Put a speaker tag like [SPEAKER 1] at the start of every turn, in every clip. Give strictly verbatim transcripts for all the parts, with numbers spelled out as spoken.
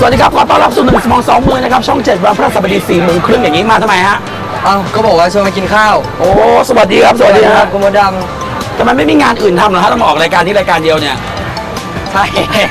[SPEAKER 1] วัสดีครับขอต้อนรับสู่หนึ่งสมองสองมือนะครับช่องเจ็ดวันพฤหัสบดีสี่โมงครึ่งอย่างนี้มาทำไมฮะ
[SPEAKER 2] อ้าวก็บอกว่าชวนมากินข้าว
[SPEAKER 1] โอ้สวัสดีครับสวัสดีครับ
[SPEAKER 2] คุณมดด
[SPEAKER 1] ำทำไมไม่มีงานอื่นทำเหรอฮะต้องมาออกรายการนี้รายการเดียวเนี่ย
[SPEAKER 2] ใช่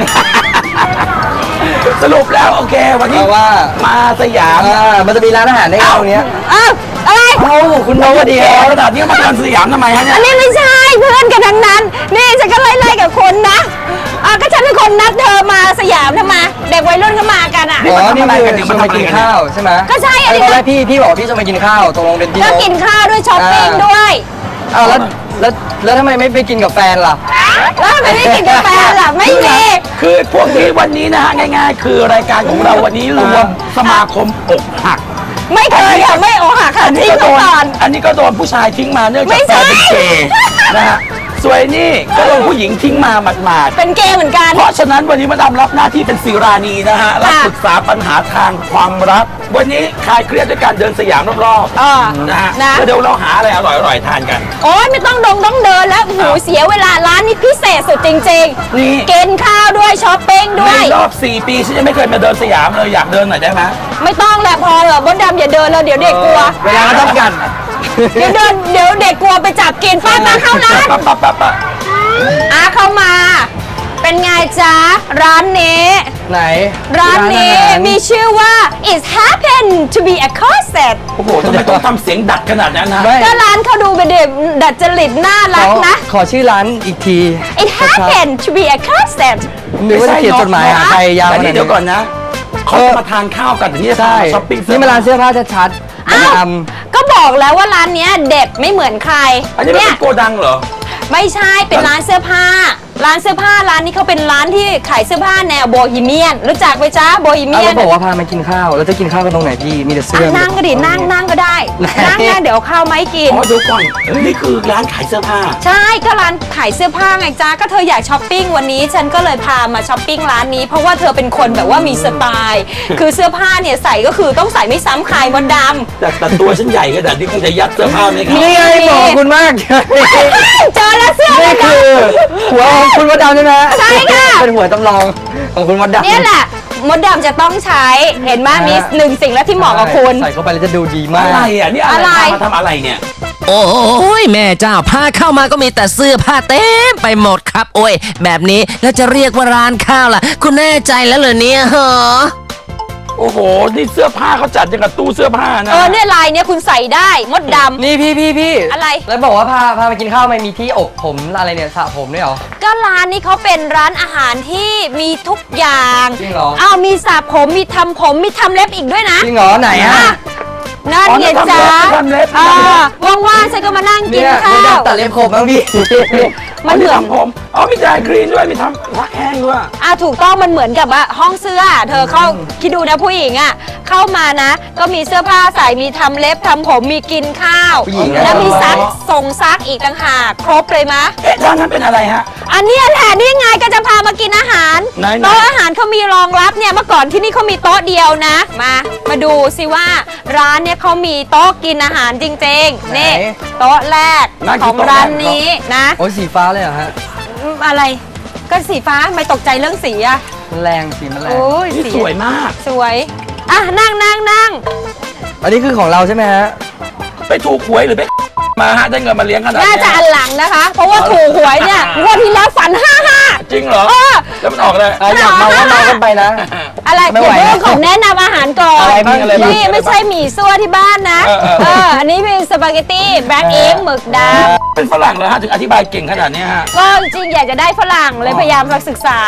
[SPEAKER 1] สรุปแล้วโอเควันนี้
[SPEAKER 2] ว่า
[SPEAKER 1] มาสยาม
[SPEAKER 2] มันจะมีร้านอาหารในตรงนี้
[SPEAKER 3] อ้าวอะไร
[SPEAKER 2] เอ้าคุณน้องวันดี
[SPEAKER 1] ขนาดนี้มาเดินสยามทำไมฮะเนี่ย
[SPEAKER 3] อันนี้ไม่ใช่เพื่อนกันทั้งนั้นนี่ฉันก็ไล่ๆกับคนนะอ่ะก็ฉันเป็นคนนัดเธอมาสยามทำไมเด็กวัยรุ่นก็มากันอ่ะ
[SPEAKER 2] อ๋อนี่คือชวนมากินข้าวใช่ไหม
[SPEAKER 3] ก็ใช่อันนี้
[SPEAKER 2] ตอนแรกพี่พี่บอกพี่จะมากินข้าวตกลงเป็นพี่
[SPEAKER 3] ก็กินข้าวด้วยช้อปปิ้งด้วย
[SPEAKER 2] อ้าวแล้วแล้วแล้วทำไมไม่ไปกินกับแฟนล่ะ
[SPEAKER 3] แล้วทำไมไม่กินกับแฟนล่ะไม่มี
[SPEAKER 1] คือพวกนี้วันนี้นะฮะง่ายๆคือรายการของเราวันนี้รวมสมาคมอกหัก
[SPEAKER 3] ไม่เคยค่ะไม่อกหักค่ะทิ้งก่อน
[SPEAKER 1] อันนี้ก็โดนผู้ชายทิ้งมาเนื่องจากแฟนเป็นเกย์นะฮะส่วนนี่ก็โดนผู้หญิงทิ้งมาหมาด
[SPEAKER 3] ๆเป็นเกย์เหมือนกัน
[SPEAKER 1] เพราะฉะนั้นวันนี้มาดำรับหน้าที่เป็นศิรานีนะฮะรับปรึกษาปัญหาทางความรักวันนี้คลายเครียดด้วยการเดินสยามรอบๆนะฮะเดี๋ยวเราหาอะไรอร่อยๆทานกัน
[SPEAKER 3] โอ้ยไม่ต้องดงต้องเดินแล้วหูเสียเวลาร้านนี้พิเศษสุดจริงๆนี่กินข้าวด้วยช้อปปิ้งด้วย
[SPEAKER 1] ในรอบสี่ปีฉันยังไม่เคยมาเดินสยามเลยอยากเดินหน่อยได้ไหม
[SPEAKER 3] ไม่ต้องแหละพอเหรอบดดำอย่าเดินเลยเดี๋ยวเด็กกลัว
[SPEAKER 2] เวลาต้องกัน
[SPEAKER 3] เดี๋ยวเดินเดี๋ยวเด็กกลัวไปจับกินป้าป้าเข้าร้าน
[SPEAKER 1] ป้าป้าป้า
[SPEAKER 3] อ่ะเข้ามาเป็นไงจ๊ะร้านนี้
[SPEAKER 2] ไหน
[SPEAKER 3] ร้านนี้มีชื่อว่า it happen to be a corset
[SPEAKER 1] โอ้โหทำไมต้องทำเสียงดัดขนาดนั้นนะ
[SPEAKER 3] ก็ร้านเขาดูเป็นเด็กดัดจริตน่ารักนะ
[SPEAKER 2] ขอชื่อร้านอีกที
[SPEAKER 3] it happen to be a corset
[SPEAKER 2] หรือว่าจะเขียนจดหมายหาใครยาวขนาดนี้
[SPEAKER 1] เดี๋ยวก่อนนะเขาจะมาทานข้าวกันแต่นี่จะช้อปปิ้ง
[SPEAKER 2] นี่มาร้านเสื้อผ้าชัดๆอ้าว
[SPEAKER 3] ก็บอกแล้วว่าร้านนี้เด็ดไม่เหมือนใคร
[SPEAKER 1] อันนี้เป็นโกดังเหรอ
[SPEAKER 3] ไม่ใช่เป็นร้านเสื้อผ้าร้านเสื้อผ้าร้านนี้เขาเป็นร้านที่ขายเสื้อผ้าแนวโบฮีเมียนรู้จักไหมจ๊ะโบฮีเมียน
[SPEAKER 2] เราบอกว่าพามากินข้าวแล้วจะกินข้าวกันตรงไหนพี่มีแต่เสื้อ
[SPEAKER 3] นั่งก็ดินั่งนั่งก็ได้นั่งนะเดี๋ยวข้าวไม่กิน
[SPEAKER 1] อ๋อดูก่อนนี่คือร้านขายเสื้อผ้า
[SPEAKER 3] ใช่ก็ร้านขายเสื้อผ้าไงจ๊ะก็เธออยากช้อปปิ้งวันนี้ฉันก็เลยพามาช้อปปิ้งร้านนี้เพราะว่าเธอเป็นคนแบบว่ามีสไตล์คือเสื้อผ้าเนี่ยใส่ก็คือต้องใส่ไม่ซ้ำใครมดดำ
[SPEAKER 1] แต่แต่ตัวฉันใหญ่ขนาดนี้คงจะยัดเสื้อผ้าไหมครับ
[SPEAKER 2] นี่ไงบอกคุณมาก
[SPEAKER 3] เจอแล้วเสื้อ
[SPEAKER 2] นี่คือหัวของคุณมดดำใช่ไหม
[SPEAKER 3] ใช่ค่ะ
[SPEAKER 2] เป็นหัวจำลองของคุณมดดำ
[SPEAKER 3] นี่แหละมดดำจะต้องใช้เห็นไหมมีหนึ่งสิ่งแล้วที่เหมาะกับคุณ
[SPEAKER 2] ใส่เข้าไปแล้วจะดูดีมาก
[SPEAKER 1] อะไรอ่ะนี่อะไรมาทำอะไรเนี่ย
[SPEAKER 4] โอ้ยแม่เจ้าพาเข้ามาก็มีแต่เสื้อผ้าเต็มไปหมดครับโอ้ยแบบนี้แล้วจะเรียกว่าร้านข้าวล่ะคุณแน่ใจแล้วเหรอเนี่ยเหรอ
[SPEAKER 1] โอ้โหนี่เสื้อผ้าเขาจัดอย่างกับตู้เสื้อผ้านะ
[SPEAKER 3] เออเนี่ยลายเนี่ยคุณใส่ได้มดดำ
[SPEAKER 2] นี่พี่พี่พี่
[SPEAKER 3] อะไร
[SPEAKER 2] แล้วบอกว่าพาพาไปกินข้าวไม่มีที่อบผมอะไรเนี่ยสระผมด้วยเหรอ
[SPEAKER 3] ก็ร้านนี้เขาเป็นร้านอาหารที่มีทุกอย่าง
[SPEAKER 2] จริงเหรอ
[SPEAKER 3] อ้าวมีสระผมมีทำผมมีทำเล็บอีกด้วยนะ
[SPEAKER 2] จริงเหรอไหนฮะ
[SPEAKER 3] นั่นไงจ๊ะว่างๆฉันก็มานั่งกินข้าว
[SPEAKER 2] ตัดเล็บผมบ้างพี่
[SPEAKER 3] มันเหมือน
[SPEAKER 1] ผมอ๋อมีดายครีนด้วยมีทำรักแห้งด้วย
[SPEAKER 3] อ่ะถูกต้องมันเหมือนกับว่าห้องเสื้อเธอเข้าคิดดูนะผู้หญิงอ่ะเข้ามานะก็มีเสื้อผ้าใส่มีทำเล็บทำผมมีกินข้าวแล้วมีซักส่งซักอีกต่างหากครบเลยมะ
[SPEAKER 1] เอ๊ะร้านนั้นเป็นอะไรฮะ
[SPEAKER 3] อันนี้แหละนี่ไงก็จะพามากินอาหารโต๊ะอาหารเขามีรองรับเนี่ยเมื่อก่อนที่นี่เขามีโต๊ะเดียวนะมามาดูสิว่าร้านเนี่ยเขามีโต๊ะกินอาหารจริงๆนี่โต๊ะแรกของร้านนี้นะ
[SPEAKER 2] โอ้ยสีฟ้าเลยเหรอฮะ
[SPEAKER 3] อะไรก็สีฟ้าไม่ตกใจเรื่องสีอะ
[SPEAKER 2] มันแรงสีมันแรง
[SPEAKER 3] โอ้ย
[SPEAKER 1] สวยมาก
[SPEAKER 3] สวยอ่ะนั่งนั่งนั่ง
[SPEAKER 2] อันนี้คือของเราใช่ไหมฮะ
[SPEAKER 1] ไปถูกหวยหรือไปมาฮะได้เงินมาเลี้ยงขนาดนี้
[SPEAKER 3] น่าจะอันหลังนะคะเพราะว่าถูกหวยเนี่ยงวดที่แล้วฝันห้าห้า
[SPEAKER 1] จริงเหรอแล้วมันออกเลย
[SPEAKER 2] อยากมาว่ามากันไปนะ
[SPEAKER 3] อะไรเดี๋ยวเรื่องของแนะนำอาหารก่อนนี่ไม่ใช่หมี่ซั่วที่บ้านนะเอออันนี้เป็นสปาเกตตี้แบล็กเอ็กหมึกดำ
[SPEAKER 1] เป็นฝรั่งเหรอฮะถึงอธิบายเก่งขนาดนี้ฮะ
[SPEAKER 3] ก็จริงอยากจะได้ฝรั่งเลยพยายามศึกษา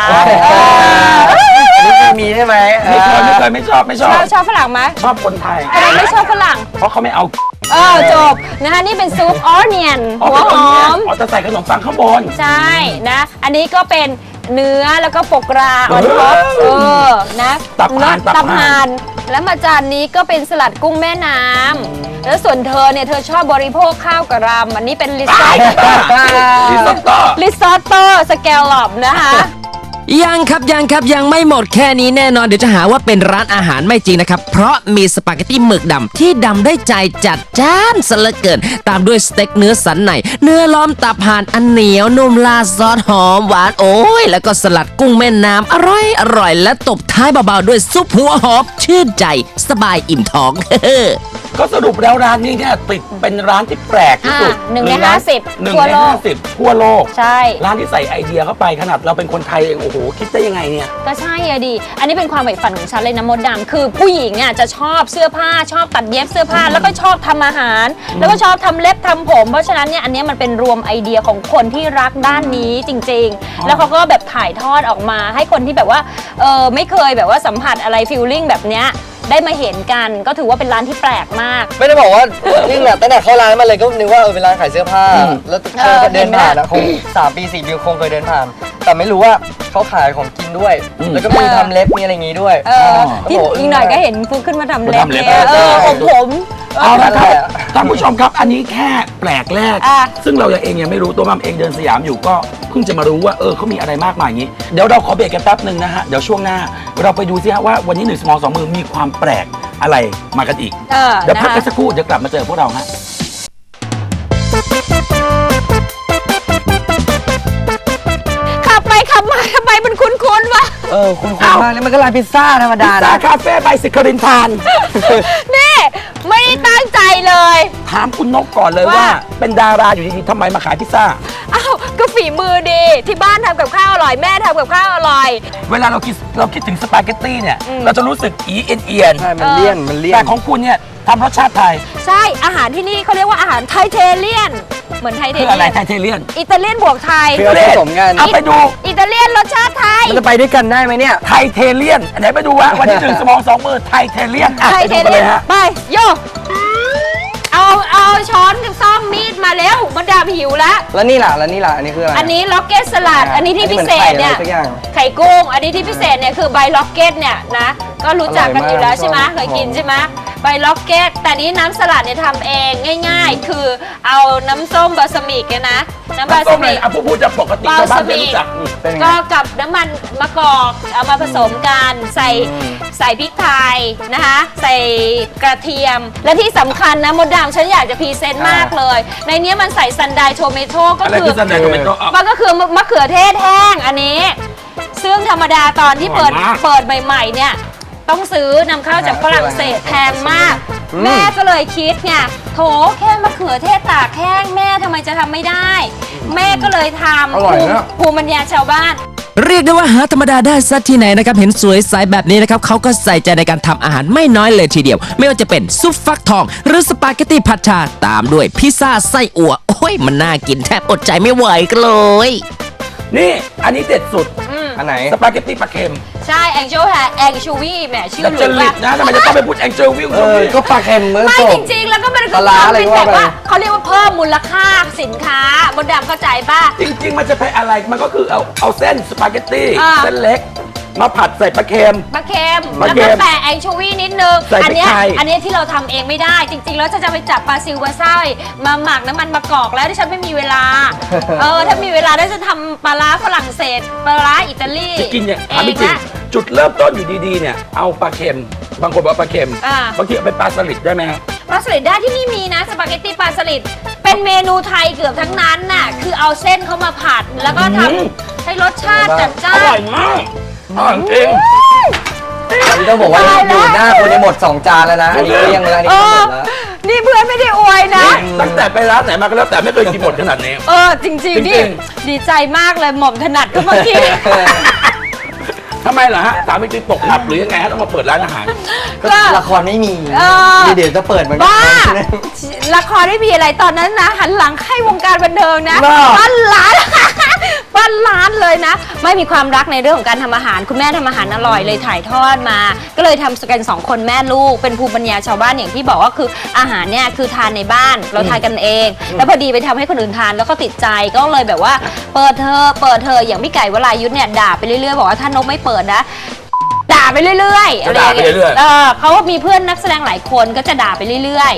[SPEAKER 2] มีใช่ไหม
[SPEAKER 1] ไม่เคยไม่เคยไม่ชอบไม่ชอบ
[SPEAKER 3] ชอบฝรั่งไหม
[SPEAKER 1] ชอบคนไทย
[SPEAKER 3] ไม่ชอบฝรั่ง
[SPEAKER 1] เพราะเขาไม่เอา
[SPEAKER 3] เออจบนะคะนี่เป็นซุปออเนียนหัวหอม
[SPEAKER 1] อ๋อจะใส่ขนมปังข้างบน
[SPEAKER 3] ใช่นะอันนี้ก็เป็นเนื้อแล้วก็ปกราออนท็อปเออนะ
[SPEAKER 1] ตับห่าน
[SPEAKER 3] ตับห่านแล้วมาจานนี้ก็เป็นสลัดกุ้งแม่น้ำแล้วส่วนเธอเนี่ยเธอชอบบริโภคข้าวกะรำอันนี้เป็นริซอตโต้
[SPEAKER 1] ริซอตโต้
[SPEAKER 3] ริซอตโต้สแกลลอปนะคะ
[SPEAKER 4] ยังครับยังครับยังไม่หมดแค่นี้แน่นอนเดี๋ยวจะหาว่าเป็นร้านอาหารไม่จริงนะครับ เพราะมีสปาเกตตี้หมึกดำที่ดำได้ใจจัดจ้านซะเหลือเกิน ตามด้วยสเต็กเนื้อสันในเนื้อล้อมตับห่านอันเหนียวนุ่มราดซอสหอมหวานโอ้ยแล้วก็สลัดกุ้งแม่น้ำอร่อยอร่อยและตบท้ายเบาๆด้วยซุปหัวหอมชื่นใจสบายอิ่มท้อง
[SPEAKER 1] ก็สรุปแล้วร้านนี้เนี่ยติดเป็นร้านที่แปลกที่สุด
[SPEAKER 3] อ่าหนึ่งในห้าสิบ
[SPEAKER 1] หนึ่ง
[SPEAKER 3] ทั่ว
[SPEAKER 1] ใน
[SPEAKER 3] โลก
[SPEAKER 1] ห้าสิบทั่วโลก
[SPEAKER 3] ใช่
[SPEAKER 1] ร้านที่ใส่ไอเดียเข้าไปขนาดเราเป็นคนไทยเองโอ้โหคิดได้ยังไงเนี่ย
[SPEAKER 3] ก็ใช่อะดิ อันนี้เป็นความใฝ่ฝันของฉันเลยนะมดดำคือผู้หญิงอ่ะจะชอบเสื้อผ้าชอบตัดเย็บเสื้อผ้า แล้วก็ชอบทำอาหาร แล้วก็ชอบทำเล็บทำผม เพราะฉะนั้นเนี่ยอันเนี้ยมันเป็นรวมไอเดียของคนที่รักด้านนี้จริง ๆ แล้วเขาก็แบบถ่ายทอดออกมา ให้คนที่แบบว่าเออไม่เคยแบบว่าสัมผัสอะไรฟีลลิ่งแบบเนี้ยได้มาเห็นกันก็ถือว่าเป็นร้านที่แปลกมาก
[SPEAKER 2] ไม่ได้บอกว่านี่แหละตั้งแต่เข้าร้านมาเลยก็นึกว่าเออเป็นร้านขายเสื้อผ้า แล้วเคยเดินผ่านอะคงสามปีสี่ปีคงเคยเดินผ่าน แต่ไม่รู้ว่าเขาขายของกินด้วย แล้วก็มีทำเล็บมีอะไรอย่างงี้ด้วย
[SPEAKER 3] เออที่
[SPEAKER 2] โโ
[SPEAKER 3] อีกหน่อยก็เห็นฟุกขึ้นมาทำเล็บ
[SPEAKER 1] มาทำเล็บ
[SPEAKER 3] เนี่ยเออผมผม
[SPEAKER 1] เอาละครับ
[SPEAKER 2] นั่นแหละ
[SPEAKER 1] ท่านผู้ชมครับอันนี้แค่แปลกแรก
[SPEAKER 3] อ่ะ
[SPEAKER 1] ซึ่งเราเองยังไม่รู้ตัวมัมเองเดินสยามอยู่ก็เพิ่งจะมารู้ว่าเออเขามีอะไรมากมายอย่างนี้ เดี๋ยวเราขอเบรกกันแป๊บหนึ่งนะฮะเดี๋ยวช่วงหน้าเราไปดูซิฮะว่าวันนี้หนึ่งสมองสองมือมีความแปลกอะไรมากันอีก
[SPEAKER 3] เออ
[SPEAKER 1] เดี๋ยวพัก
[SPEAKER 3] นะคะ
[SPEAKER 1] กันสักครู่เดี๋ยวกลับมาเจอพวกเราฮะ
[SPEAKER 3] ขับไปขับมาทำไมมันคุ้นๆวะ
[SPEAKER 2] เออคุณคุณมากเลยมันก็ร้านพิซซ่าธรรมดา
[SPEAKER 1] ซา
[SPEAKER 2] นะ
[SPEAKER 1] คาเฟ่ใบสิครินทาน
[SPEAKER 3] นี่ไม่ได้ตั้งใจเลย
[SPEAKER 1] ถามคุณนกก่อนเลยว่า
[SPEAKER 3] ว่า
[SPEAKER 1] เป็นดาราอยู่ดีๆทำไมมาขายพิซซ่า
[SPEAKER 3] อ้าวก็ฝีมือดีที่บ้านทำกับข้าวอร่อยแม่ทำกับข้าวอร่อย
[SPEAKER 1] เวลาเราคิดเราคิดถึงสปาเกตตี้เนี่ย
[SPEAKER 3] อืม
[SPEAKER 1] เราจะรู้สึกอีเอียนเอียน
[SPEAKER 2] ใช่มันเลี่ยนมันเลี่ย
[SPEAKER 1] แต่
[SPEAKER 2] น
[SPEAKER 1] ของคุณเนี่ยทำรสชาติไทย
[SPEAKER 3] ใช่อาหารที่นี่เขาเรียกว่าอาหารไทเทเลียน เหมือนไทเท
[SPEAKER 1] คือ
[SPEAKER 3] เลี
[SPEAKER 1] อะไร
[SPEAKER 3] ยน
[SPEAKER 1] ไทเทเลียน
[SPEAKER 3] อิตาเลียนบวกไทย
[SPEAKER 2] คือเอาผสมกัน
[SPEAKER 1] เอาไปดู
[SPEAKER 3] อิตาเลียนรสชาติไทย
[SPEAKER 2] มันจะไปด้วยกันได้ไหมเนี่ย
[SPEAKER 1] ไทเทเลียนไหนไปดูวะวันที่หนึ่งสมองสองมือไทเทเลียนอ่ะ
[SPEAKER 3] ไท
[SPEAKER 1] ไป
[SPEAKER 3] เท
[SPEAKER 1] ดูกัน
[SPEAKER 3] เลี
[SPEAKER 1] เลย ย
[SPEAKER 3] น
[SPEAKER 1] ฮะ
[SPEAKER 3] ไปโยเอาเอาช้อนกับซ่อมมีดมาแล้วมันดาบหิวแล้ว
[SPEAKER 2] แล้วนี่ล่ะแล้วนี่ล่ะอันนี้คืออะไร
[SPEAKER 3] อันนี้ล็อกเก็ตสลัด อันนี้ที่พิเศษเนี่ย
[SPEAKER 2] อันนี้เหมือนไข่อะไรสักอย่าง
[SPEAKER 3] ไข่กุ้ง อันนี้ที่พิเศษเนี่ยคือใบล็อกเก็ตเนี่ยนะ ก็รู้จักกันอยู่แล้วใช่ไหม
[SPEAKER 2] อร่อยมาก
[SPEAKER 3] เคยกินใช่ไหมใบล็อกเก็ต แต่นี้น้ำสลัดเนี่ยทำเองง่าย ๆ คือเอาน้ำส้มบาสมิกเนี่ยนะ น้ำบาส
[SPEAKER 1] ต้มเล
[SPEAKER 3] มิ
[SPEAKER 1] ย
[SPEAKER 3] ก
[SPEAKER 1] อ่ะผู้พูดจะปกติ
[SPEAKER 3] บา
[SPEAKER 1] ชาวบ้า
[SPEAKER 3] ส
[SPEAKER 1] นไม่
[SPEAKER 3] มิ
[SPEAKER 1] รู้
[SPEAKER 3] ก
[SPEAKER 1] จักอืม
[SPEAKER 2] เป็นไง
[SPEAKER 3] ก็กับน้ำมันมะกอกเอามาผสมกันใส่ใส่พริกไทยนะคะ ใส่กระเทียม และที่สำคัญนะมดดำฉันอยากจะพรีเซนต์มากเลย ในนี้มันใส่ซันไดโทเมโต้ก็
[SPEAKER 1] อะไร
[SPEAKER 3] คื
[SPEAKER 1] คือ อซันไดโทเมโต้อ่ะ
[SPEAKER 3] มันก็คือมะเขือเทศแห้งอันนี้ ซึ่งธรรมดาตอนที่เปิด
[SPEAKER 1] อร่อยมาก
[SPEAKER 3] เปิดใหม่ๆเนี่ยต้องซื้อนำเข้าจากฝรั่งเศสแพงมาก แม่ก็เลยคิดไงโถแค่มะเขือเทศตากแห้งแม่ทำไมจะทำไม่ได้ แม่ก็เลยท
[SPEAKER 2] อ
[SPEAKER 3] ำ
[SPEAKER 2] ร่อย
[SPEAKER 3] ภูมิ
[SPEAKER 2] นะ
[SPEAKER 3] ภูมิปัญญาชาวบ้าน
[SPEAKER 4] เรียกได้ว่าหาธรรมดาได้สักที่ไหนนะครับ เห็นสวยใสแบบนี้นะครับเขาก็ใส่ใจในการทำอาหารไม่น้อยเลยทีเดียว ไม่ว่าจะเป็นซุปฟักทอง หรือสปาเกตตี้ผัดชาตามด้วยพิซซ่าไส้อั่วโอ้ยมันน่ากินแทบอดใจไม่ไหวกันเลย
[SPEAKER 1] นี่อันนี้เด็ดสุด
[SPEAKER 2] อันไหน
[SPEAKER 1] สปาเกตตี้ปลาเค็ม
[SPEAKER 3] ใช่แองเจิลค่ะแองชูวีแหมชื่อ
[SPEAKER 1] ดับ
[SPEAKER 3] ห
[SPEAKER 1] จ
[SPEAKER 3] รือ
[SPEAKER 1] ริต
[SPEAKER 3] ว่า
[SPEAKER 1] นะทำไมจะต้องไปพูดแองเจิลวิว
[SPEAKER 2] เออก็ปลาเค็มเมื่อ
[SPEAKER 3] ไม่
[SPEAKER 2] จ
[SPEAKER 3] จ
[SPEAKER 2] บ
[SPEAKER 3] ริงๆ แล้วก็มัน
[SPEAKER 2] ปลาร้าอะไร
[SPEAKER 3] เป็นแบบ
[SPEAKER 2] ว่าไป
[SPEAKER 3] ว่าเขาเรียกว่าเพิ่มมูลค่าสินค้าบนดำเข้าใจป่ะ
[SPEAKER 1] จริง ๆ มันจะเป็นอะไรมันก็คือเอาเอาเส้นสปาเกตตี้
[SPEAKER 3] อ่า
[SPEAKER 1] เส้นเล็ก มาผัดใส่ปลาเค็ม
[SPEAKER 3] ปลาเค็ม
[SPEAKER 1] ปลา
[SPEAKER 3] แล้ว
[SPEAKER 1] เค็
[SPEAKER 3] ก็
[SPEAKER 1] ม
[SPEAKER 3] แปะแองโชวีนิดนึง
[SPEAKER 1] ใส่พริก
[SPEAKER 3] อัเนี้ย
[SPEAKER 1] ไทย
[SPEAKER 3] อันเนี้ยที่เราทำเองไม่ได้ จริง ๆ แล้วจะจะไปจับปลาซิวปลาไส้มาหมักน้ำมันมะกอกแล้วที่ฉันไม่มีเว ลา เออถ้ามีเวลาได้จะทำปลาร้าฝรั่งเศสปลาร้าอิตาลี
[SPEAKER 1] จะกินเนี่ย
[SPEAKER 3] เอ
[SPEAKER 1] ถาม
[SPEAKER 3] ง
[SPEAKER 1] จริง
[SPEAKER 3] นะ
[SPEAKER 1] ๆจุดเริ่มต้นอยู่ดีๆเนี่ยเอาปลาเค็ม บางคนบอกว่าปลาเค็ม
[SPEAKER 3] อ่า
[SPEAKER 1] บางทีเอาไปปลาสลิดได้ไหมครับ
[SPEAKER 3] ปลาสลิดได้ที่นี่มีนะสปาเกตตี้ปลาสลิดเป็นเมนูไทยเกือบทั้งนั้นน่ะคือเอาเส้นเข้ามาผัดแล้วก็ท
[SPEAKER 1] อืม
[SPEAKER 3] ำให้รสชาติจัดจ้า
[SPEAKER 1] อน ร่อยมากอร่อยจริง
[SPEAKER 2] อันนี้ต้องบอกว่าอยู่หน้าคนในหมดสองจานแล้วนะ อันนี้เกลี้ยงเลยอันนี้
[SPEAKER 3] เอ
[SPEAKER 2] ก็หม
[SPEAKER 3] อ
[SPEAKER 2] ดแล้ว
[SPEAKER 3] นี่เพื่อนไม่ได้อวยนะ
[SPEAKER 1] ตั้งแต่ไปร้านไหนมาก็แล้วแต่ไม่เคยกินหมดขนาดนี้
[SPEAKER 3] เออ จริงๆ
[SPEAKER 1] จริ
[SPEAKER 3] นี่
[SPEAKER 1] ง
[SPEAKER 3] ดีใจมากเลยหม่อมถนัดก็เมื่อกี้
[SPEAKER 1] ทำไมเหรอฮะสามีตีตกอับหรือยังไงฮะต้องมาเปิดร้านอาหาร
[SPEAKER 2] ก็ละครไม่มี
[SPEAKER 3] เออ
[SPEAKER 2] เดี๋ยวจะเปิดเหมือนกั
[SPEAKER 3] บ้า
[SPEAKER 2] น
[SPEAKER 3] ละครไม่มีอะไรตอนนั้นนะ หันหลังให้วงการบันเทิงนะ
[SPEAKER 1] บ้า
[SPEAKER 3] ปั้นร้าน ปั้นร้านเลยนะ ไม่มีความรักในเรื่องของการทำอาหาร คุณแม่ทำอาหารอร่อยเลยถ่ายทอดมา ก็เลยทำกันสองคนแม่ลูก เป็นภูมิปัญญาชาวบ้านอย่างที่บอกว่าคืออาหารเนี่ยคือทานในบ้านเราทานกันเอง แล้วพอดีไปทำให้คนอื่นทานแล้วก็ติดใจก็เลยแบบว่า เปิดเธอะเปิดเธอะอย่างพี่ไก่วรายุทธเนี่ยด่าไปเรื่อยๆบอกว่าถ้านกไม่เปิดนะด่าไปเรื่อยๆอะไรอย่างเงี้
[SPEAKER 1] จะด่าไปเรื่อย
[SPEAKER 3] ย
[SPEAKER 1] ๆ
[SPEAKER 3] เออเขามีเพื่อนนักแสดงหลายคนก็จะด่าไปเรื่อยๆ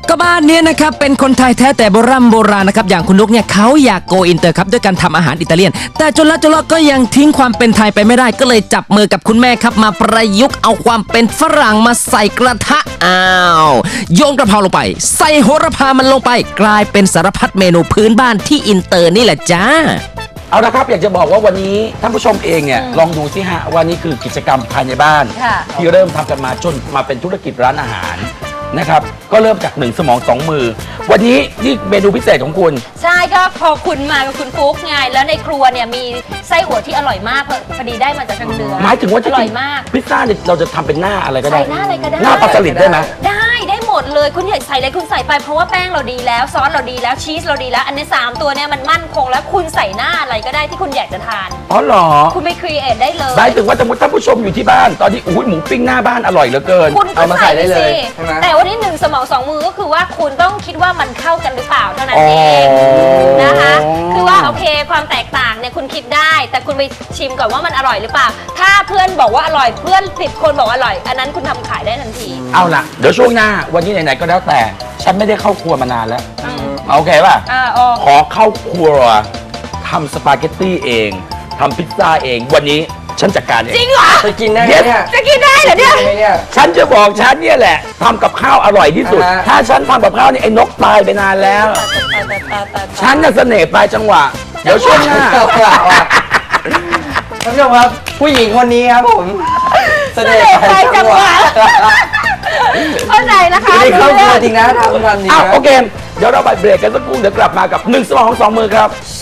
[SPEAKER 4] ก็บ้านเนี้ยนะครับเป็นคนไทยแท้แต่โบราณโบราณนะครับอย่างคุณนุกเนี่ยเขาอยากโกอินเตอร์ครับด้วยการทำอาหารอิตาเลียน แต่จนแล้วจนรอดก็ยังทิ้งความเป็นไทยไปไม่ได้ก็เลยจับมือกับคุณแม่ครับมาประยุกต์เอาความเป็นฝรั่งมาใส่กระทะอ้าวโยนกระเพราลงไป ใส่โหระพามันลงไป กลายเป็นสารพัดเมนูพื้นบ้านที่อินเตอร์นี่แหละจ้า
[SPEAKER 1] เอาละครับอยากจะบอกว่าวันนี้ท่านผู้ชมเองเนี่ยลองดูสิฮะว่านี่คือกิจกรรมภายในบ้าน
[SPEAKER 3] ค่ะ
[SPEAKER 1] ที่เริ่มทำกันมาจนมาเป็นธุรกิจร้านอาหารนะครับก็เริ่มจากหนึ่งสมองสองมือ วันนี้นี่เมนูพิเศษของคุณ
[SPEAKER 3] ใช่ก็พอคุณมากับคุณฟุ๊กไงแล้วในครัวเนี่ยมีไส้อั่วที่อร่อยมากเพราะพอดีได้มาจากทางเหนือ
[SPEAKER 1] หมายถึงว่าจะ
[SPEAKER 3] อร่อยมาก
[SPEAKER 1] พิซซ่าเนี่ยเราจะทำเป็นหน้าอะไรก็ได้
[SPEAKER 3] ใส่หน้าอะไรก็ได้
[SPEAKER 1] หน้าปลาสลิดได้ไหม
[SPEAKER 3] ได้ได้หมดเลยคุณอยากใส่อะไรคุณใส่ไปเพราะว่าแป้งเราดีแล้วซอสเราดีแล้วชีสเราดีแล้ว อันนี้สามตัวเนี่ยมันมั่นคงแล้วคุณใส่หน้าอะไรก็ได้ที่คุณอยากจะทาน
[SPEAKER 1] อ๋อเหรอ
[SPEAKER 3] คุณไปครีเอทได้เลย
[SPEAKER 1] หมายถึงว่าสมมติท่านผู้ชมอยู่ที่บ้านตอนนี้อุ้ยหมูปิ้งหน้าบ้านอร่อยเหลือเกิน
[SPEAKER 3] คุณก็
[SPEAKER 2] เอามาใส่
[SPEAKER 3] ใส่
[SPEAKER 2] ได้
[SPEAKER 3] ได้
[SPEAKER 2] เล
[SPEAKER 3] เลย ย
[SPEAKER 2] ใช่ไหม
[SPEAKER 3] แต่วันนี้หนึ่งสมองสองมือก็คือว่าคุณต้องคิดว่ามันเข้ากันหรือเปล่าเท่านั้น
[SPEAKER 1] อ๋อ
[SPEAKER 3] เองนะคะคือว่าโอเคความแตกต่างเนี่ยคุณคิดได้ แต่คุณไปชิมก่อนว่ามันอร่อยหรือเปล่า ถ้าเพื่อนบอกว่าอร่อยเพื่อนสิบคนบอกว่าอร่อย อันนั้นคุณทำขายได้ทันที
[SPEAKER 1] เอาล่ะเดี๋ยวช่วงหน้าวันนี้ไหนๆก็แล้วแต่ ฉันไม่ได้เข้าครัวมานานแล้ว
[SPEAKER 3] อืม
[SPEAKER 1] โอเคป่ะ
[SPEAKER 3] อ่าอ๋อ
[SPEAKER 1] ขอเข้าครัวทำสปาเกตตี้เองทำพิซซ่าเองวันนี้ฉันจัดการเอง
[SPEAKER 3] จริงเหรอ
[SPEAKER 2] จะกินได้ไหมเนี่ย
[SPEAKER 3] จะกินได้เหรอเนี่ย
[SPEAKER 2] กินไหมเนี่ย
[SPEAKER 1] ฉันจะบอกฉันเนี่ยแหละทำกับข้าวอร่อยที่สุด
[SPEAKER 2] อ่าฮะ
[SPEAKER 1] ถ้าฉันทำกับข้าวนี่ไอ้นกตายไปนานแล้ว ฉันน่ะเสน่ห์ปลายจังหวะ เดี๋ยวช่วงหน้า
[SPEAKER 2] เอาล่ะเอาล่ะท่านผู้ชมครับผู้หญิงคนนี้ครับผมเสน่ห์ไปจังหวะ
[SPEAKER 3] เข้าใจนะคะ
[SPEAKER 2] ไม่ได้เข้าครัวจริงนะทำทันจริง
[SPEAKER 1] อ้าว
[SPEAKER 2] นะ
[SPEAKER 1] โอเค เดี๋ยวเราไปเบรกกันสักครู่เดี๋ยวกลับมากับหนึ่งสมองสองมือครับ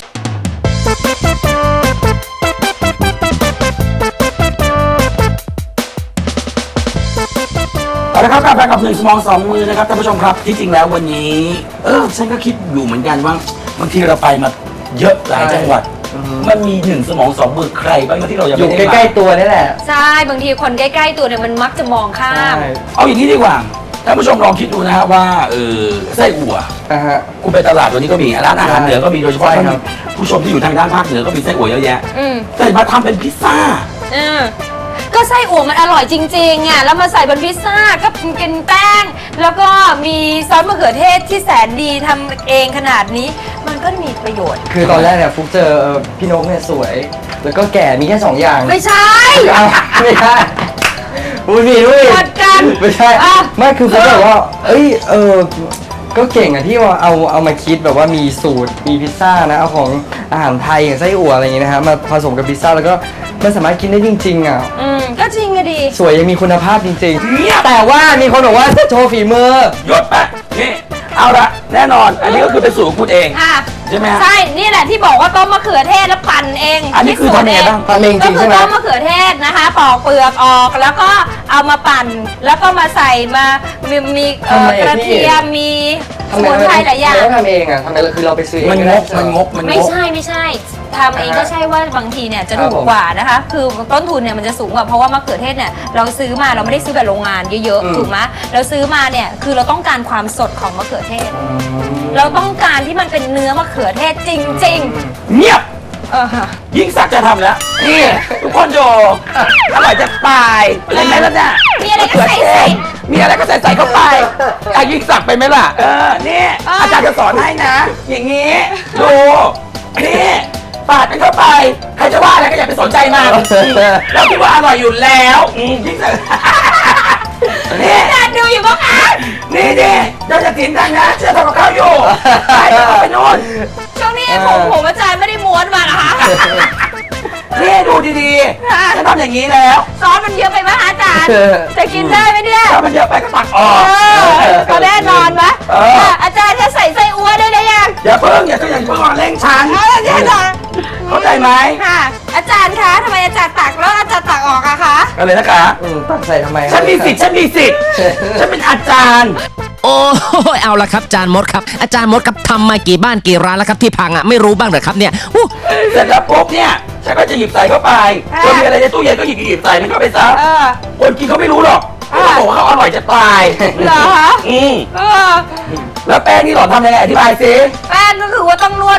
[SPEAKER 1] เอาละครับกลับมากับหนึ่งสมองสองมือนะครับท่านผู้ชมครับที่จริงแล้ววันนี้ เออฉันก็คิดอยู่เหมือนกันว่าบางทีเราไปมาเยอะหลายจังหวัด มันมีหนึ่งสมองสองมือใครบ้างที่เรายัง
[SPEAKER 2] อ
[SPEAKER 1] ไม่
[SPEAKER 2] ยู่
[SPEAKER 1] ได้
[SPEAKER 2] ใกล้
[SPEAKER 1] มา
[SPEAKER 2] ๆตัวนี่แหละ
[SPEAKER 3] ใช่บางทีคนใกล้ๆตัวเนี่ยมันมักจะมองข้าม
[SPEAKER 1] เอาอย่างนี้ดีกว่าท่านผู้ชมลองคิดดูนะฮะว่าเออไส้อั่ว
[SPEAKER 2] นะฮะ
[SPEAKER 1] คุณไปตลาดวันนี้ก็มีร้านอาหารเหนือก็มีโดยเฉพาะ
[SPEAKER 2] ใช่
[SPEAKER 1] ท่าน
[SPEAKER 2] ครับ
[SPEAKER 1] ผู้ชมที่อยู่ทางด้านภาคเหนือก็มีไส้อั่วเยอะแยะ
[SPEAKER 3] อืม
[SPEAKER 1] แต่มาทำเป็นพิซซ่า
[SPEAKER 3] เออก็ไส้อั่วมันอร่อยจริงๆอ่ะแล้วมาใส่บนพิซซ่าก็เป็นแป้ง แล้วก็มีซอสมะเขือเทศที่แสนดีทำเองขนาดนี้ มันก็มีประโยชน์
[SPEAKER 2] คือตอนแรกเนี่ยฟุกเจอเอ่อพี่นกเนี่ยสวย แล้วก็แก่มีแค่สองอย่าง
[SPEAKER 3] ไม่ใช่
[SPEAKER 2] เอาไม่ใช่อุ้ยมีด้วย
[SPEAKER 3] กดกัน
[SPEAKER 2] ไม่ใช่
[SPEAKER 3] อ่ะ
[SPEAKER 2] ไม่คือฟุกแบบว่า เอ้ยเออก็เก่งอะที่ว่าเอาเอามาคิดแบบว่ามีสูตรมีพิซซ่านะเอาของอาหารไทยอย่างไส้อั่วอะไรอย่างงี้นะฮะมาผสมกับพิซซ่าแล้วก็มันสามารถกินได้จริงๆอ่ะ
[SPEAKER 3] อืมก็จริงอะดี
[SPEAKER 2] สวยยังมีคุณภาพจริง
[SPEAKER 1] เงียบ
[SPEAKER 2] ๆ แต่ว่ามีคนบอกว่าโชว์ฝีมือ
[SPEAKER 1] หยดไปนี่เอาละแน่นอน อันนี้ก็คือเป็นสูตรของคุณเอง
[SPEAKER 3] ค่ะ
[SPEAKER 1] ใช่ไหมฮะ
[SPEAKER 3] ใช่นี่แหละที่บอกว่าต้มมะเขือเทศแล้วปั่นเอง
[SPEAKER 1] อันนี้คือทำยังไงบ้าง
[SPEAKER 2] ทำเองจ
[SPEAKER 3] ก็
[SPEAKER 2] ริง
[SPEAKER 3] คื
[SPEAKER 2] ใช่
[SPEAKER 3] อ
[SPEAKER 2] ไหม
[SPEAKER 3] ต้มมะเขือเทศนะคะปอกเปลือกออกแล้วก็เอามาปั่น แล้วก็มาใส่มามีมีเอ่อ
[SPEAKER 2] ทำไม
[SPEAKER 3] ก
[SPEAKER 2] อะ
[SPEAKER 3] ระ
[SPEAKER 2] พี่
[SPEAKER 3] เทียมมีสมุนไพรหลายอย่าง
[SPEAKER 2] ทำไมต้องทำเองอ่ะทำไมคือเราไปซื้อเอง
[SPEAKER 1] มันง
[SPEAKER 2] ได้
[SPEAKER 1] กมันงกมัน
[SPEAKER 3] ไม่
[SPEAKER 1] งก
[SPEAKER 3] ใช่ไม่ใช่ทำเองก็ใช่ว่าบางทีเนี่ยจะ
[SPEAKER 2] ครั
[SPEAKER 3] ถู
[SPEAKER 2] บ
[SPEAKER 3] ก
[SPEAKER 2] ผม
[SPEAKER 3] กว่านะคะ คือต้นทุนเนี่ยมันจะสูงกว่าเพราะว่ามะเขือเทศเนี่ยเราซื้อมาเราไม่ได้ซื้อแบบโรงงานเยอะ
[SPEAKER 2] อืม
[SPEAKER 3] ๆถูกไหมเราซื้อมาเนี่ยคือเราต้องการความสดของมะเขือเทศ เราต้องการที่มันเป็นเนื้อมะเขือเทศจริง
[SPEAKER 1] เงียบ
[SPEAKER 3] ๆ เออค่ะ
[SPEAKER 1] ยิ่งศักดิ์จะทำแล้ว นี่ ทุกคนโยอร่อยจะตายเห็นไหมล่ะเนี่ย
[SPEAKER 3] มีอะไรก็ใส่ใส่
[SPEAKER 1] มีอะไรก็ใส่ใส่เข้าไปอ่ะยิ่งศักดิ์ไปไหมล่ะ เออ นี่
[SPEAKER 3] เอออ
[SPEAKER 1] อาจารย์จะสอนให้นะ อย่างนี้ ดู นี่ปาดมันเข้าไป ใครจะว่าอะไรก็อย่าไปสนใจมันเราคิดว่าอร่อยอยู่แล้วอืมยิ่งศักดิ์นี่
[SPEAKER 3] อาจารย์ดูอยู่ปะคะ
[SPEAKER 1] นี่นี่เจ้าจะกินดังนะเชื่อทำกับข้าวอยู่ไปเดี๋ยวเอาไปโน่น
[SPEAKER 3] ช่วงนี้ผมผมอาจารย์ไม่ได้ม้วนมาเหรอคะ
[SPEAKER 1] นี่ดูดีๆฉันทำอย่างนี้แล้ว
[SPEAKER 3] ซอสมันเยอะไปไหมคะอาจารย์ จะกินได้ไหมเนี่ย
[SPEAKER 1] ถ้ามันเยอะไปก็ตักออก
[SPEAKER 3] เออก็แน่นอนไหม
[SPEAKER 1] เออ
[SPEAKER 3] อ่ะอาจารย์จะใส่ไส้อั่วได้หรือยัง
[SPEAKER 1] อย่าเพิ่งอย่าเพิ่งอย่าเพิ่งเร่งฉัน
[SPEAKER 3] เอาอาจารย์เหรอ
[SPEAKER 1] เข้าใจไหม
[SPEAKER 3] ค่ะ อาจารย์คะทำไมอาจารย์ตักแล้วอาจารย์ตักออกอะคะ
[SPEAKER 1] อะไรนะคะ
[SPEAKER 2] อืมตักใส่ทำไม
[SPEAKER 1] ฉันมีสิทธิ์ฉันมีสิทธิ์ฉันเป็นอาจารย์
[SPEAKER 4] โอ้ยเอาละครับอาจารย์มดครับอาจารย์มดครับทำมากี่บ้านกี่ร้านแล้วครับที่พังอ่ะไม่รู้บ้างเหรอครับเนี่ยอู้
[SPEAKER 1] เสร็จแล้วปุ๊บเนี่ยฉันก็จะหยิบใส่เข้าไป
[SPEAKER 3] อ่า
[SPEAKER 1] จะมีอะไรในตู้เย็นก็หยิบหยิบใส่มันเข้าไปซะ
[SPEAKER 3] เออ
[SPEAKER 1] คนกินเขาไม่รู้หรอก
[SPEAKER 3] อ่า
[SPEAKER 1] เขาบอกว่าเขาอร่อยจะตาย
[SPEAKER 3] เหรอคะ
[SPEAKER 1] อืม
[SPEAKER 3] เออ
[SPEAKER 1] แล้วแป้งนี่หล่อนทำยังไงอธิบายสิ
[SPEAKER 3] แป้งก็คือว่าต้องนวดแป้ง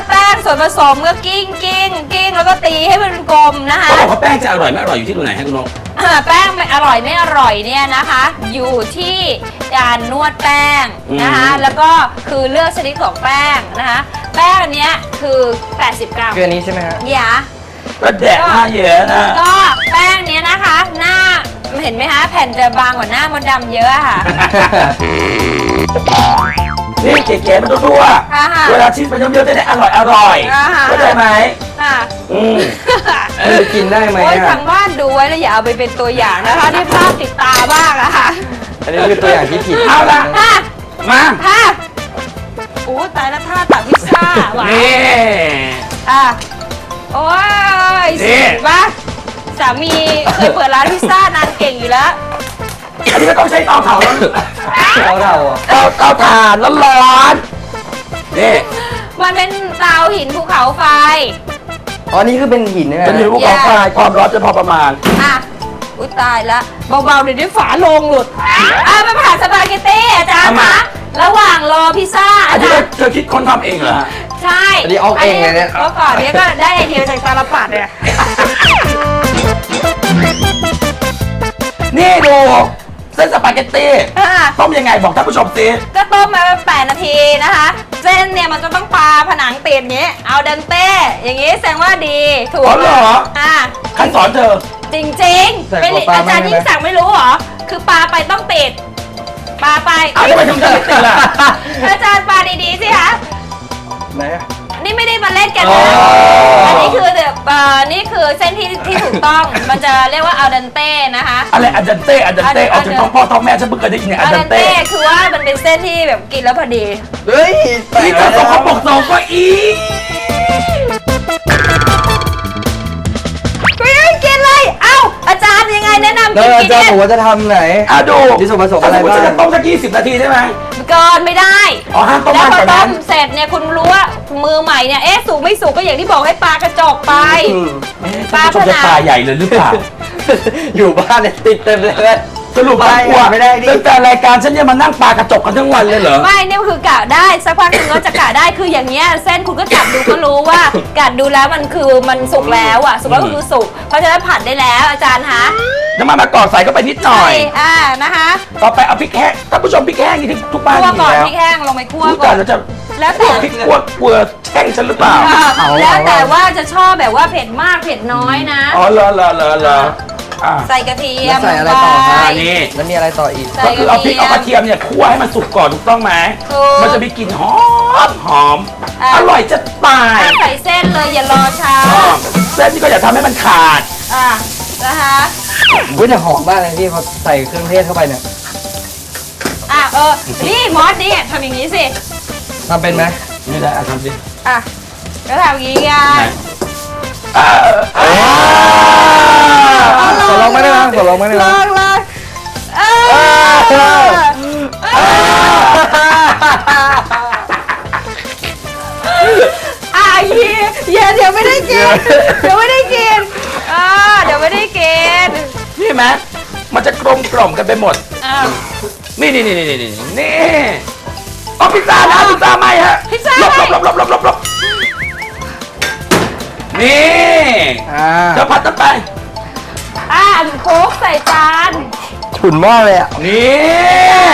[SPEAKER 3] ส่วนผสมก็กิ้งกิ้งกิ้งแล้วก็ตีให้มันเป็นกลมนะคะ
[SPEAKER 1] เขาบอกว่าแป้งจะอร่อยไม่อร่อยอยู่ที่ตรงไหนให้คุณนก
[SPEAKER 3] อ่าแป้งไม่อร่อยไม่อร่อยเนี่ยนะคะ อยู่ที่การนวดแป้งนะคะ
[SPEAKER 1] อืม
[SPEAKER 3] แล้วก็คือเลือกชนิดของแป้งนะคะ แป้งอันเนี้ยคือ แปดสิบ กรัม
[SPEAKER 2] คืออันนี้ใช่ไหมฮะ
[SPEAKER 3] อย่า
[SPEAKER 1] ก็แดกหน้าเยอะนะ
[SPEAKER 3] ก็แป้งเนี้ยนะคะ หน้าเห็นไหมคะแผ่นจะบางกว่าหน้ามดดำเยอะอะค่ะ
[SPEAKER 1] นี่เก๋ๆมันทั่ว
[SPEAKER 3] อ่าฮะ
[SPEAKER 1] ๆเวลาชิมไปเยอะๆจะได้อร่อยอร่อย
[SPEAKER 3] อ่าฮะ
[SPEAKER 1] เข้าใจไหม
[SPEAKER 3] ค่ะ
[SPEAKER 1] อืม
[SPEAKER 2] มันจะกินได้ไหม
[SPEAKER 3] โอ้ย
[SPEAKER 2] อ่ะ
[SPEAKER 3] ทางบ้านดูไว้แล้วอย่าเอาไปเป็นตัวอย่างนะคะที่ภาพติดตาบ้างอะค่ะ
[SPEAKER 2] อันนี้คือตัวอย่างที่ผิด
[SPEAKER 1] เอาละ
[SPEAKER 3] ค่ะ
[SPEAKER 1] มา
[SPEAKER 3] ค่ะโอ้ตายแล้วท่าตักพิซซ่าหวาน
[SPEAKER 1] นี่
[SPEAKER 3] อ่ะโอ้ย
[SPEAKER 1] นี่
[SPEAKER 3] สิปะสามีเคยเปิดร้านพิซซ่านางเก่งอยู่แล้ว
[SPEAKER 1] อันนี้ไม่ต้องใช้เตาเผาแล้ว
[SPEAKER 2] เราเราอ่ะ
[SPEAKER 1] เตาเตาถ่านร้อนๆนี่
[SPEAKER 3] มันเป็นเตาหินภูเขาไฟ
[SPEAKER 2] อ๋อ นี่คือเป็นหินใช่ไหม
[SPEAKER 1] เป็นหินภูเขาไฟความร้อนจะพอประมาณ
[SPEAKER 3] อ่ะ อุ้ยตายละเบาๆเดี๋ยวนี้ฝาโลงหลุด อ่ะมาผ่านสปาเกตตี้อาจารย์
[SPEAKER 1] ทำไม
[SPEAKER 3] คะระหว่างรอพิซซ่า
[SPEAKER 1] อั
[SPEAKER 3] อาน
[SPEAKER 1] นี้
[SPEAKER 3] จารย์
[SPEAKER 1] เธอคิดค้นทำเองเหรอฮะ
[SPEAKER 3] ใช่
[SPEAKER 2] อันนี้ออกเองเลยเนี่ย
[SPEAKER 3] เมื่อก่อนเนี้ยก็ได้ไอเดียจากตาลปัดเนี่ย
[SPEAKER 1] นี่ดูเส้นสปาเกตตี้
[SPEAKER 3] อ่ะ
[SPEAKER 1] ต้มยังไงบอกท่านผู้ชมสิ
[SPEAKER 3] ก็ต้มมาแปดนาทีนะคะ เส้นเนี่ยมันจะต้องปลาผนังติดอย่างนี้ เอาเดนเต้ อย่างนี้แสดงว่าดี ถูก
[SPEAKER 1] อ๋อเหรอ
[SPEAKER 3] อ่ะ
[SPEAKER 1] ใครสอนเธอ
[SPEAKER 3] จริงๆไม่อาจารย์ยิ่งสั่งไม่รู้เหรอ คือปลาไปต้องติด ปลาไป
[SPEAKER 1] เอาทำไมถึงจะไม่ติดล่ะ
[SPEAKER 3] อาจารย์ปลาดีๆสิคะ
[SPEAKER 2] ไหนอะ
[SPEAKER 3] นี่ไม่ได้มาเล่นกัน
[SPEAKER 1] อ๋
[SPEAKER 3] นะ
[SPEAKER 1] ออั
[SPEAKER 3] อันนี้คือแบบเอ่อนี่คือเส้นที่ที่ถูกต้อง มันจะเรียกว่าอัลเดนเต้นะคะ
[SPEAKER 1] อะไรอันดันเต้อันดันเต้
[SPEAKER 3] อัน
[SPEAKER 1] ออกจากท้องพ่อท้องแม่ฉันเพิ่งเคยได้ยินเนี่ยอั
[SPEAKER 3] อั
[SPEAKER 1] น
[SPEAKER 3] ล
[SPEAKER 1] ดั
[SPEAKER 3] เด
[SPEAKER 1] น
[SPEAKER 3] น
[SPEAKER 1] เต้
[SPEAKER 3] เต้คือว่ามันเป็นเส้นที่แบบกินแล้วพอดี
[SPEAKER 2] เฮ้ย
[SPEAKER 1] นี่เธอสองคนบอกสองก็อี
[SPEAKER 3] ไม่ได้กินเลย เอ้า อาจารย์ยังไงแนะนำ
[SPEAKER 2] แล้ว
[SPEAKER 3] กิน
[SPEAKER 2] อา
[SPEAKER 3] กิน
[SPEAKER 2] จารย์
[SPEAKER 3] เนี่ย
[SPEAKER 2] บอกว่าจะทำไหน
[SPEAKER 1] อ่ะดู
[SPEAKER 2] มีส่วนผสมอะไรบ้าง
[SPEAKER 1] ถ้สติจะต้มสักยี่สิบนาทีได้ไหม
[SPEAKER 3] เกินไม่ได้
[SPEAKER 1] อ๋อห้ามต้ม
[SPEAKER 3] แล้ว
[SPEAKER 1] มาก
[SPEAKER 3] พ
[SPEAKER 1] ก
[SPEAKER 3] อ
[SPEAKER 1] ว่า
[SPEAKER 3] ต้
[SPEAKER 1] นั้
[SPEAKER 3] ม
[SPEAKER 1] น
[SPEAKER 3] เสร็จเนี่ยคุณรู้ว่ามือใหม่เนี่ย เอ๊ะสุกไม่สุกก็อย่างที่บอกให้ปลากระจกไป
[SPEAKER 2] อืม
[SPEAKER 3] ปลา
[SPEAKER 1] ท่านผู้ชมจะ
[SPEAKER 3] ผนัง
[SPEAKER 1] ตาใหญ่เลยหรือเปล่า
[SPEAKER 2] อยู่บ้านเนี่ยติดเต็มเลย
[SPEAKER 1] สรุป
[SPEAKER 2] ไป
[SPEAKER 1] กลัว
[SPEAKER 2] ไม่ได้ดิ
[SPEAKER 1] ตั้งแต่รายการฉันเนี่ยมานั่งปลากระจกกันทั้งวันเลยเหรอ
[SPEAKER 3] ไม่เนี่ยคือกะได้สักพักคุณก็จะกะได้คืออย่างเงี้ยเส้นคุณก็จับดูก็รู้ว่า กัดดูแล้วมันคือมันสุกแล้วอ่ะสุกแล้วก็คือสุกเพราะฉะนั้นผัดได้แล้วอาจารย์คะ
[SPEAKER 1] น้ำมันมะกอกใส่เข้าไปนิดหน่อย
[SPEAKER 3] ใช่อ่านะคะ
[SPEAKER 1] ต่อไปเอาพริกแห้งท่านผู้ชมพริกแห้งนี่ที่ทุกบ้าน
[SPEAKER 3] คั่ว
[SPEAKER 1] มี
[SPEAKER 3] ก่อน
[SPEAKER 1] แล้ว
[SPEAKER 3] พริกแห้งลงไปคั่ว
[SPEAKER 1] รู้
[SPEAKER 3] ก่
[SPEAKER 1] จั
[SPEAKER 3] อก น
[SPEAKER 1] แล้วจะ
[SPEAKER 3] แล้ว
[SPEAKER 1] พว
[SPEAKER 3] แต่
[SPEAKER 1] กพริกคั่วกลัวแช่งฉันหรือเปล่า
[SPEAKER 3] อ่า
[SPEAKER 2] เอา
[SPEAKER 3] แล้ว
[SPEAKER 2] เอา
[SPEAKER 3] แต่ว่าจะชอบแบบว่าเผ็ดมากเผ็ดน้อยนะ
[SPEAKER 1] อ๋อเหรอเหรอเหรอเหรออ่ะ
[SPEAKER 3] ใส่กระเทีย
[SPEAKER 2] แล้
[SPEAKER 3] ม
[SPEAKER 2] วใส่อะไร
[SPEAKER 3] ลง
[SPEAKER 2] ต่อ
[SPEAKER 3] ไป
[SPEAKER 2] คะ
[SPEAKER 1] อันนี้
[SPEAKER 2] แล้วมีอะไรต่ออีก
[SPEAKER 3] ใส่
[SPEAKER 1] ก็คือเอาพริกเอากระเทียมเนี่ยคั่วให้มันสุกก่อนถูกต้องไหม
[SPEAKER 3] ถูก
[SPEAKER 1] มันจะมีกลิ่นหอมหอม
[SPEAKER 3] อ่ะ
[SPEAKER 1] อร่อยจะตาย
[SPEAKER 3] ถ้าใส่เส้นเลยอย่ารอช้า
[SPEAKER 1] อ๋อเส้นนี่ก็อย่าทำให้มันขาด
[SPEAKER 3] อ่านะคะ
[SPEAKER 2] อุ้ยแต่หอมมากเลยพี่พอใส่เครื่องเทศเข้าไปเนี่ย
[SPEAKER 3] อ่ะเออนี่มอสนี่ทำอย่างนี้สิ
[SPEAKER 2] ทำเป็นไหม
[SPEAKER 1] ไม่ได้อ่ะทำสิ
[SPEAKER 3] อ่ะก็ทำอย่างนี้ไง
[SPEAKER 1] อ่าอ่า
[SPEAKER 2] ขอลองไม่ได้ไหมขอลองไม่ได้ไห
[SPEAKER 3] ล
[SPEAKER 2] ม
[SPEAKER 3] องเลยเอออ่ะเฮียเฮียเดี๋ยวไม่ได้กิน เดี๋ยวไม่ได้กินอ่าเดี๋ยวไม่ได้กิน
[SPEAKER 1] นี่ไหมมันจะกลมกล่อมกันไปหมด
[SPEAKER 3] อ่า
[SPEAKER 1] นี่นี่นี่นี่นี่นี่เอาพิซซ่านะพิซซ่าไหมฮะ
[SPEAKER 3] พิซซ่า
[SPEAKER 1] หลบ
[SPEAKER 3] ไหม
[SPEAKER 1] หลบหลบหลบหลบหลบนี่
[SPEAKER 2] อ่า
[SPEAKER 1] จะผัดกันไป
[SPEAKER 3] อ่าโค้กใส่จาน
[SPEAKER 2] ฉุนมากเลยอ่ะ
[SPEAKER 1] นี่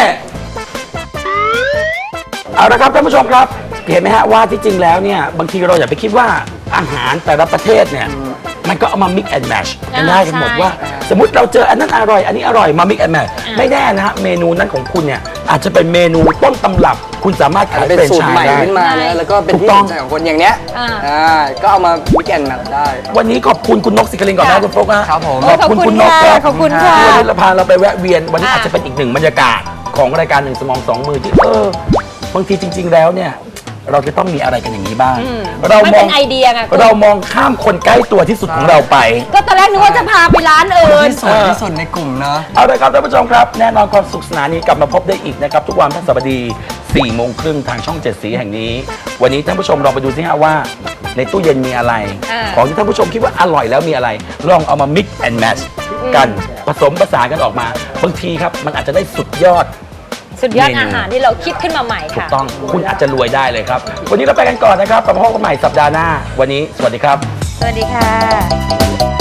[SPEAKER 1] เอาละครับท่านผู้ชมครับ เห็นไหมฮะว่าที่จริงแล้วเนี่ยบางทีเราอย่าไปคิดว่าอาหารแต่ละประเทศเนี่ยมันก็เอามา mix and match กันได้กันหมดว่า สมมติเราเจออันนั้นอร่อย อันนี้อร่อยมา mix and match ไม่แน่นะฮะเมนูนั้นของคุณเนี่ยอาจจะเป็นเมนูต้นตำรับ คุณสามารถ
[SPEAKER 2] อาจ
[SPEAKER 1] ขาย
[SPEAKER 2] จะเป็น
[SPEAKER 1] เป็น
[SPEAKER 2] สูตร
[SPEAKER 1] ชา
[SPEAKER 2] ใหม่
[SPEAKER 1] ได้
[SPEAKER 2] ขึ้นมานะแล้วก็เป็นที่
[SPEAKER 1] ถูกต้
[SPEAKER 2] ส
[SPEAKER 1] อง
[SPEAKER 2] นใจของคนอย่างเนี้ย
[SPEAKER 3] อ่า
[SPEAKER 2] อ่าก็เอามาวิกแอนด์ได้
[SPEAKER 1] วันนี้ขอบคุณคุณนกสิกลินก่อนนะคุณโฟกนะครับ
[SPEAKER 2] ผม
[SPEAKER 1] ขอบคุณคุณนก
[SPEAKER 3] ค่ะ
[SPEAKER 1] รับ
[SPEAKER 3] ขอบคุณค่ะ
[SPEAKER 1] วันนี้เราพาเราไปแวะเวียนวันนี้
[SPEAKER 3] อ่ะ
[SPEAKER 1] อาจจะเป็นอีกหนึ่งบรรยากาศของรายการหนึ่งสมองสองมือที่เออบางทีจริง ๆ แล้วเนี่ยเราจะต้องมีอะไรกันอย่างนี้บ้าง
[SPEAKER 3] อืม
[SPEAKER 1] เรา
[SPEAKER 3] มัน
[SPEAKER 1] มอ
[SPEAKER 3] เป็
[SPEAKER 1] ง
[SPEAKER 3] นไอเดียไงคุณ
[SPEAKER 1] เรามองข้ามคนใกล้ตัวที่สุดของเราไป
[SPEAKER 3] ก็ตอนแรกนึกว่าจะพาไปร้านอื่น
[SPEAKER 2] ที่สุดที่สุดในกลุ่มเนาะ
[SPEAKER 1] เอาเลยครับท่านผู้ชมครับ แน่นอนความสุขสนานนี้กลับมาพบได้อีกนะครับ ทุกวันพฤหัสบดีสี่โมงครึ่งทางช่องเจ็ดสีแห่งนี้ วันนี้ท่านผู้ชมลองไปดูสิฮะว่าในตู้เย็นมีอะไร
[SPEAKER 3] อ่า
[SPEAKER 1] ของที่ท่านผู้ชมคิดว่าอร่อยแล้วมีอะไร ลองเอามา mix and match กันผสมผสานกันออกมา บางทีครับมันอาจจะได้สุดยอด
[SPEAKER 3] สุดยอด
[SPEAKER 1] เมนู
[SPEAKER 3] อาหารที่เราคิดขึ้นมาใหม่
[SPEAKER 1] ถูก
[SPEAKER 3] ค่ะ
[SPEAKER 1] ต้องคุณอาจจะรวยได้เลยครับ วันนี้เราไปกันก่อนนะครับกลับมาพบกันใหม่สัปดาห์หน้า วันนี้สวัสดีครับ
[SPEAKER 3] สวัสดีค่ะ